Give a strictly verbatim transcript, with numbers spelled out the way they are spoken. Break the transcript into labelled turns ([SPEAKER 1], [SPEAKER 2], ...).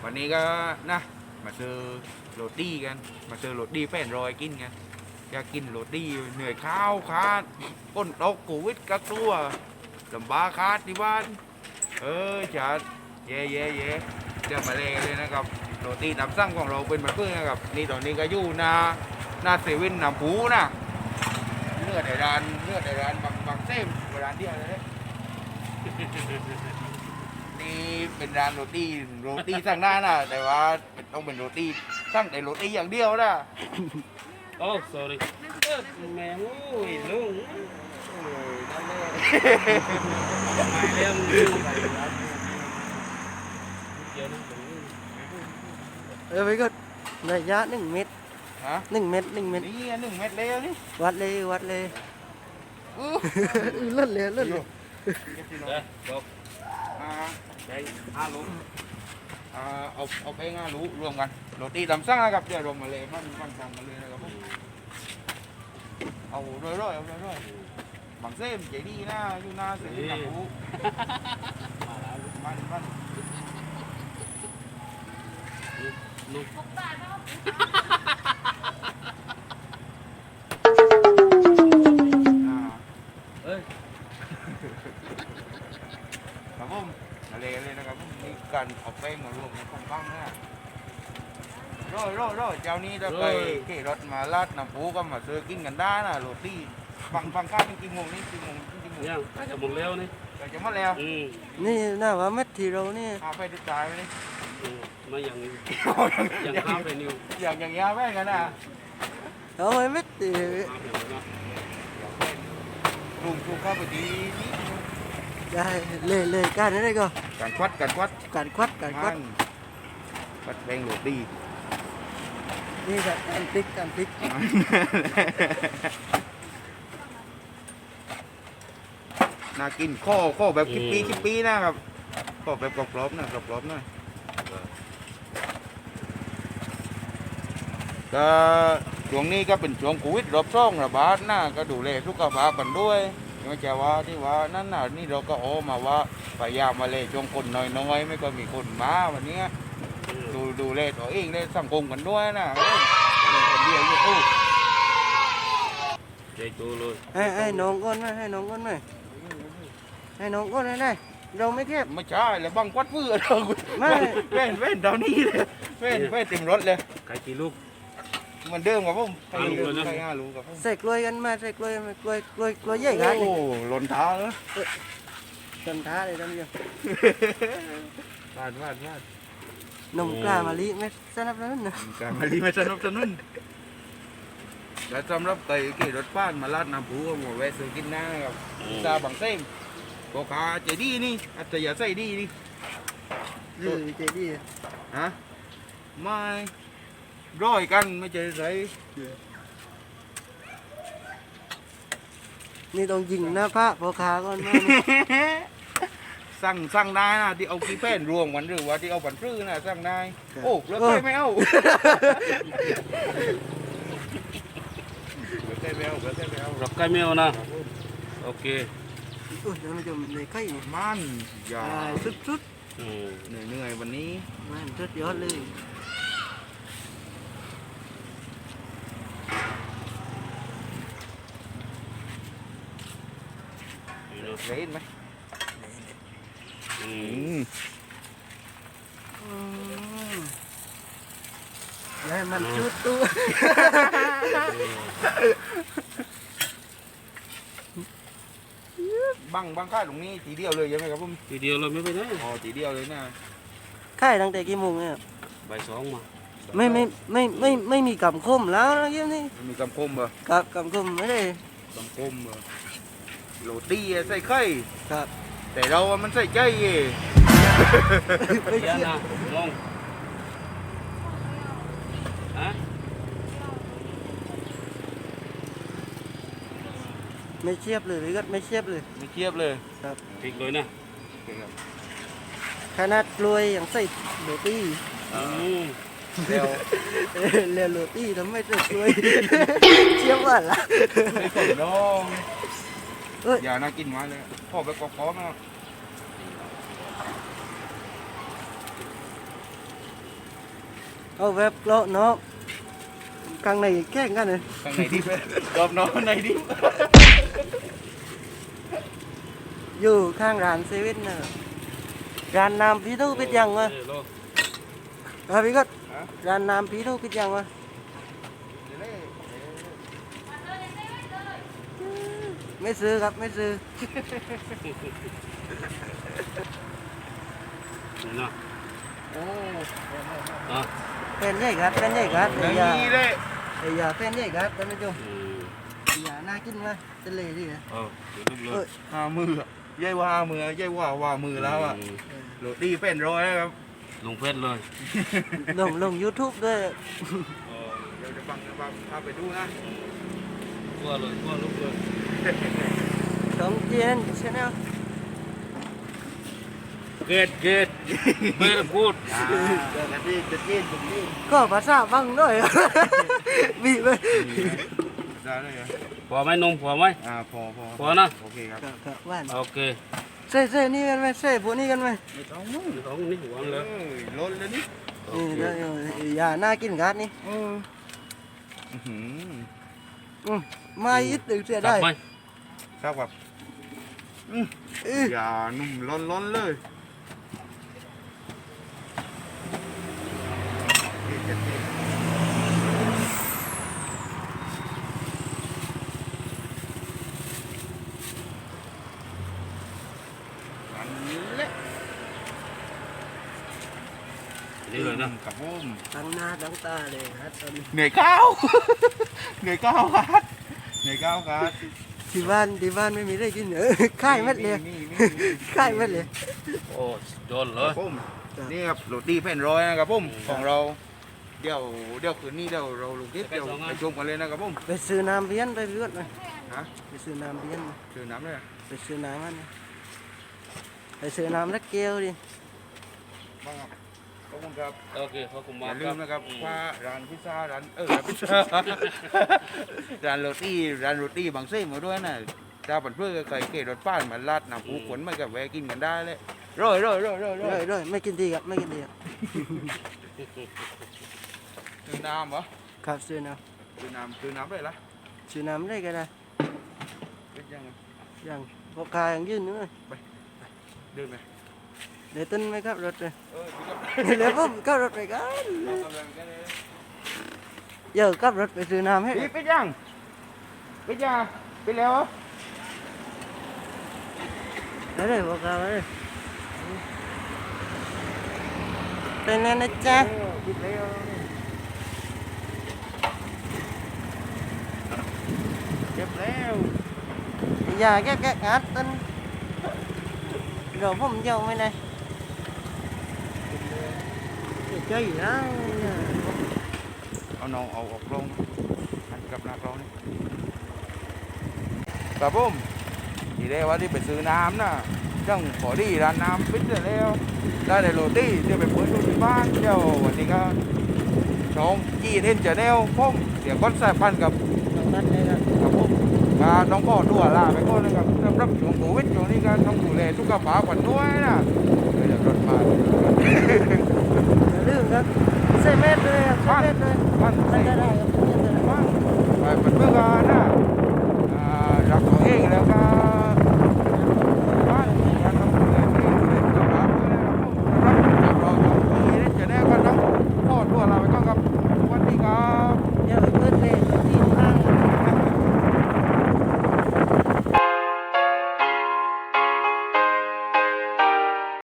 [SPEAKER 1] วันนี้ก็นะมาซื้อโรตีกันมาซื้อโรตีแฟนรอยกินกันอยากกินโรตีเหนื่อยข้าวคาดก้นตกโควิดกักตัวลำบากคาดที่บ้านเออจัดเย่เย่เย่เดี๋ยวมาเลยกันเลยนะครับโรตีตามสั่งของเราเป็นแบบเพื่อนนะครับนี่ตอนนี้ก็อยู่หน้าหน้าเซเว่นน้ำผูนะเลือดในร้านเลือดในร้านบางบางเส้นร้านเดียวเลย นี่เป็นร้านโรตีโรตีสั่งได้นะแต่ว่าต้องเป็นโรตีสั่งแต่โรตีอย่างเดียวนะ
[SPEAKER 2] โอ้ sorry แม่งอุ้ยลุง
[SPEAKER 1] เออนั่นแหละ
[SPEAKER 2] ไปเรื่องลุงไปเดี๋ยวนะ
[SPEAKER 3] เออไปก็ระยะหนึ่งเมตร
[SPEAKER 1] ฮะ
[SPEAKER 3] หนึ่งเมตรหนึ่งเมตร
[SPEAKER 1] นี่หนึ่งเม็ดเล้วนี่
[SPEAKER 3] วัดเลยวัดเลย
[SPEAKER 1] อู้
[SPEAKER 3] อือเลื่อนเลยเลื่อนเลย
[SPEAKER 2] เดี๋ยวบอก
[SPEAKER 1] อ่า
[SPEAKER 2] ใจห้าลุง
[SPEAKER 1] อ่าเอาเอาไปง่ารู้รวมกันโรตีตามสั่งนะครับเดี๋ยวรวมมาเลยมันมันสั่งมาเลยนะครับผมเอาร้อยร้อยเอาร้อยร้อยบางเส้นใจดีนะอยู่หน้าเส้นหนังหูมันมัน
[SPEAKER 2] ลุง
[SPEAKER 1] อ่า
[SPEAKER 2] เอ้ย
[SPEAKER 1] ครับผมมาเลยเลยนะครับผมมีการเอาแป้งมารวมกันค่อนข้างนะร้อยร้อยร้อยเจ้านี้ถ้าไปขี่รถมาลาดน้ำปูก็มาซื้อกินกันได้นะโรตีฟังฟังข้าวเป็นกี่โมงนี่กี่โมงกี่โมง
[SPEAKER 2] ยังน่าจะหมดแล้วนี่
[SPEAKER 1] เราจะมาแล้ว
[SPEAKER 2] อืม
[SPEAKER 3] นี่น่าว่าเม็ดที่เรานี่
[SPEAKER 1] อาไปดูตายไปนี่
[SPEAKER 2] อืมมาอย่างอย่างข้ามไปนิว
[SPEAKER 1] อย่างอย่างเงี้ยแม่งกันนะ
[SPEAKER 3] เอาไว้เม็ดที่
[SPEAKER 2] ข้ามไปหมดแล้ว
[SPEAKER 1] ลุงลุงเข้าไปดีนี่
[SPEAKER 3] ได้เลยเลยการนี้ได้ก็
[SPEAKER 1] การควัดการควัด
[SPEAKER 3] การควัดการควั
[SPEAKER 1] มั
[SPEAKER 3] ด
[SPEAKER 1] นควัดแป้งโรตี
[SPEAKER 3] นี่แบบการพลิกการพลิก
[SPEAKER 1] น่ากินข้อข้อแบบคิปปี้คิปปี้นะครับข้อแบบกรอบๆนะกรอบๆหน่อยก็ช่วงนี้ก็เป็นช่วงโควิดรอบสองระบาดนะก็ดูแลสุขภาพกันด้วยไม่ใช่ว่าที่ว่านั่นน่ะนี่เราก็โอ้มาว่าพยายามมาเลยช่วงคนน้อยๆไม่ก็มีคนมาวันนี้ดูดูแลตัวเองเลยสังคมกันด้วยนะเออคนเดียวอยู่ตู้
[SPEAKER 2] ใจตัวเลย
[SPEAKER 3] ให้ให้น้องก้อนไหมให้น้องก้อนไหมให้น้องก้อนได้ได้เราไม่แคบ
[SPEAKER 1] ไม่ใช่แล้วบังควัดพื้นเรา
[SPEAKER 3] ไม่
[SPEAKER 1] เว้นเว้นเท่านี้เลยเว้นเว้นเต็มรถเลย
[SPEAKER 2] ไก่กี่ลูก
[SPEAKER 1] เหมือนเดิมครับผมใคร
[SPEAKER 2] ห้าลูก
[SPEAKER 1] เดิม
[SPEAKER 2] เลยนะ
[SPEAKER 1] ใครห้าลูกครับผม
[SPEAKER 3] ใส่กล้วยกันมาใส่กล้วยมากล้วยกล้วยกล้วยใหญ่กัน
[SPEAKER 1] โอ้หล่นเท้าแล้ว
[SPEAKER 3] จนท้าเลยท่านผู้ชม
[SPEAKER 1] พลาดพลาดพลาด
[SPEAKER 3] นมกล้ามะลิไม่สนับสนุนนะ
[SPEAKER 1] การมาลีมาสนับสนุนและสำหรับไก่ขี่รถบ้านมาลาดน้ำผูหมดแวะซื้อกินได้ครับซาบังเส้งโกขาเจดีนี่อัตยาใส่ดีนี่
[SPEAKER 3] หรือเจดีย์
[SPEAKER 1] ฮะไม่ร้อยกันไม่ใช่ใส่
[SPEAKER 3] นี่ต้องยิงหน้าพระพอขาก่อนมา
[SPEAKER 1] สั่งสั่งได้นะที่เอากี่แป้นรวมกันหรือว่าที่เอาบันพื้นนะสั่งได้โอ้แล้วใครไม่เอาแล้วใครไม่เอาแล้วใครไม่เอา
[SPEAKER 2] รับไก่แมวนะโอเค
[SPEAKER 3] โอ้ยท่านผู้ชมในไข่นี่
[SPEAKER 1] มันอย่า
[SPEAKER 3] อ่าสุดสุด
[SPEAKER 2] อืม
[SPEAKER 1] เหนื่อยเหนื่อยวันนี้
[SPEAKER 3] ๆมันสุดยอดเลย
[SPEAKER 2] นี่เนาะ
[SPEAKER 1] เล่นไหม
[SPEAKER 2] อื
[SPEAKER 1] อื
[SPEAKER 2] ม
[SPEAKER 1] ม
[SPEAKER 3] อืมแล้วมันชุดตัว
[SPEAKER 1] บังบังค่าตรงนี้ทีเดียวเลยใช่ไหมครับผม
[SPEAKER 2] ทีเดียวเลยไม่ไปไหน
[SPEAKER 1] อ๋อทีเดียวเลยนะ
[SPEAKER 3] ค่ายตั้งแต่กี่โมงเนี่ย
[SPEAKER 2] ใบายสองมา
[SPEAKER 3] ไม่ไม่ไม่ไม่ไม่มีกำคมแล้วนะเยี่ยมนี่
[SPEAKER 1] มีกำคมเหรอ
[SPEAKER 3] กับกำคมไม่ได้
[SPEAKER 1] กำคมเหรอโรตีอะใส่ไข่
[SPEAKER 3] ครับ
[SPEAKER 1] แต่เราอะมันใส่ใจเย่
[SPEAKER 3] ไม่
[SPEAKER 2] เดี๋ยว
[SPEAKER 3] เชื่อ
[SPEAKER 2] นะมองฮะ
[SPEAKER 3] ไม่เชียบเลยพี่ก็ไม่เชียบเลย
[SPEAKER 1] ไม่เทียบเลย
[SPEAKER 3] ครับ
[SPEAKER 2] พริกเลยนะ
[SPEAKER 1] โอเคครับ
[SPEAKER 3] ขนาดกล้วยอย่างใส่โรตี
[SPEAKER 2] อืม
[SPEAKER 1] เดี๋ยว
[SPEAKER 3] เออเรียนโรตีทำไมใส่กล้วย เชียบว่าล่ะ
[SPEAKER 1] ไม่ผมน้อง
[SPEAKER 3] เอ้ย
[SPEAKER 1] อย่าน่ากินมาเลยพ่อไปกอกๆนะ
[SPEAKER 3] เอาแบบเลาะเนาะกลางในแข่งกันเลย
[SPEAKER 1] ข้างในดิบกรอบนอกข้างในดิบ
[SPEAKER 3] อยู่ข้างร้านเซเว่นน่ะร้านน้ำพี่ทูปิดยังวะ
[SPEAKER 2] เออโล
[SPEAKER 3] อ่ะพี่ก็ร้านน้ำพี่ทูปิดยังวะไม่ซื้อครับไม่ซื้อ
[SPEAKER 2] นี่เนาะ
[SPEAKER 1] โอ้
[SPEAKER 2] อ่ะ
[SPEAKER 3] เป็นใหญ่ครับเป็นใหญ่ครับ
[SPEAKER 1] อ
[SPEAKER 3] ไอ้
[SPEAKER 1] ย่าง
[SPEAKER 3] ยา
[SPEAKER 1] นี้เลย
[SPEAKER 3] ไอ้ยาเป็นใหญ่ครับท่านผู้ชม
[SPEAKER 2] อืม
[SPEAKER 3] ไอ้ยาน่ากินไหมทะเลดิเนี่ย
[SPEAKER 2] เออเดี๋ยวรูปเล
[SPEAKER 3] เอ้
[SPEAKER 2] ย
[SPEAKER 3] ย
[SPEAKER 1] ห้ามืออะใหญ่ว่าห้ามือใหญ่ว่าว่ามือแล้วอ่ะ
[SPEAKER 2] ม
[SPEAKER 1] โรตีเป็นร้อยแล้วครับ
[SPEAKER 2] ลงเฟซเลย
[SPEAKER 3] ลงลงยูทูบด้วย
[SPEAKER 2] เออ
[SPEAKER 1] เดี๋ยวจะฟังจะฟังพาไปดูนะ
[SPEAKER 2] ทั่วเลยทั่วรูปเลย
[SPEAKER 3] สองเจนชแนล
[SPEAKER 2] เกตเกตไม่ได้พูด
[SPEAKER 1] อ่าจะดีจะจีนจะจีน
[SPEAKER 3] ก็ภาษาบังด้วย บีบไป
[SPEAKER 1] ได้เลยเหรอ
[SPEAKER 2] พอไหมนมพอไหม
[SPEAKER 1] อ่าพอพอ
[SPEAKER 2] พอนะ
[SPEAKER 1] โอเคครับ
[SPEAKER 3] ครับครับว่าน
[SPEAKER 2] โอเค
[SPEAKER 3] ใส่ใส่นี่กันไหมใส่พวกนี้กันไหม
[SPEAKER 1] ไม่ต้องมึง
[SPEAKER 2] ท้องนี่หวาน
[SPEAKER 1] เอ
[SPEAKER 2] เลย
[SPEAKER 1] อล้นเลยนี่
[SPEAKER 2] โอ
[SPEAKER 3] นี่
[SPEAKER 2] เค
[SPEAKER 3] เดี๋ยวเดี๋ยวอย่าน่ากินกัดนี่
[SPEAKER 1] เอออื้อหือ
[SPEAKER 3] อืมมายึดตึกเสีย
[SPEAKER 2] กลั
[SPEAKER 3] ได้
[SPEAKER 2] บไหม
[SPEAKER 1] ครับแบบ
[SPEAKER 3] เออ
[SPEAKER 1] อย่านุ่มล้นล้นๆเลยนี่จะจีนอันนี้แหละ
[SPEAKER 2] นี่เลยนะ
[SPEAKER 1] กับผม
[SPEAKER 3] ตั้งหน้าตั้งตาเลยครับตอนนี้
[SPEAKER 1] เหนื่อยก้าว เหนื่อยก้าวครับเหนื่อยก้าวครับ
[SPEAKER 3] ที่บ้านที่บ้านไม่มีได้กินเออค่ายเม็ดเลย
[SPEAKER 1] นี่นี่นี่
[SPEAKER 3] ค่ายเม็ดเลย
[SPEAKER 2] โอ้โดนเล
[SPEAKER 1] ครั
[SPEAKER 2] ย
[SPEAKER 1] บผมนี่ครับโรตีแผ่นร้อยนะครับผมของเราเดี๋ยวเดี๋ยวคืนนี้เดี๋ยวเราลงคลิปเดี๋ยวไปชมกันเลยนะครับผม
[SPEAKER 3] ไปซื้อน้ำเบี้ยนไปพี่ก็ไป
[SPEAKER 1] ฮะ
[SPEAKER 3] ไปซื้อน้ำเบี้ยน
[SPEAKER 1] ซื้อน้ำเลยอะ
[SPEAKER 3] ไปซื้อน้ำมันไปซื้อน้ำแล้วเกลียวดิ
[SPEAKER 1] บ้างครับขอบคุณครับ
[SPEAKER 2] โอเคขอบคุณ
[SPEAKER 1] อ
[SPEAKER 2] มาก
[SPEAKER 1] ย่าลืมนะครับ
[SPEAKER 2] อืม
[SPEAKER 1] ว่าร้านพิซซ่าร้านเออร้านพิซซ่า ร้านโรตีร้านโรตีบางเส้นมาด้วยนะถ้าปันเพื่อเคยเกลรถป้านมาลาดน้ำปูขนมากับแวะกินกันได้เลยร่อยร่อยร่อยร่อยร่
[SPEAKER 3] ด้
[SPEAKER 1] อ
[SPEAKER 3] วย ยด้วยไม่กินดีครับไม่กินดีครับ
[SPEAKER 1] ซื้อน้ำเหรอ
[SPEAKER 3] ครับซื้อน้
[SPEAKER 1] ซื้อน้ำซื้อน้ำได้ละ
[SPEAKER 3] ำซื้อน้ำได้ก็ได้
[SPEAKER 1] เป็นยังไง
[SPEAKER 3] อย่างพวกคายังยื่นnữa
[SPEAKER 1] เดินไป
[SPEAKER 3] để tin mấy các rượt rồi
[SPEAKER 1] เออพี่กับ
[SPEAKER 3] để bấm các rượt này cái
[SPEAKER 1] เรากำลังกันเลย
[SPEAKER 3] giờ các rượt phải từ nam hết
[SPEAKER 1] พี่ปิดยังปิดยังปิดแล้วเหรอ
[SPEAKER 3] đấy đây báo cáo đấy tên lên đấy cha
[SPEAKER 1] เออปิดแล้วเก็บแล้ว
[SPEAKER 3] giờ cái cái ngát tin rồiผมdầu mấy này để chơi gì đó
[SPEAKER 1] เอาน้องเอาออกลงหันกลับหน้ากล้องนี่ครับผมทีแรกว่าที่ไปซื้อน้ำนะจังขอดีร้านน้ำปิดแล้วได้แต่โรตีเดี๋ยวไปเปิดดูที่บ้านเดี๋ยววันนี้ก็ช่องจีเอ็นจะแนวผมเสียก้อนสายพันธุ์กับ
[SPEAKER 3] bắt đây là
[SPEAKER 1] ครับผมก็ต้องขอตัวลาไปก่อนนะครับสำหรับช่วงโควิดช่วงนี้ก็ต้องดูแลสุขภาพกันด้วยนะเดี๋ยวรถมา
[SPEAKER 3] đường các xe mét đây xe mét đây
[SPEAKER 1] บ้าน
[SPEAKER 3] đây đây đây
[SPEAKER 1] บ้านไปเป็นเมื่อกันนะ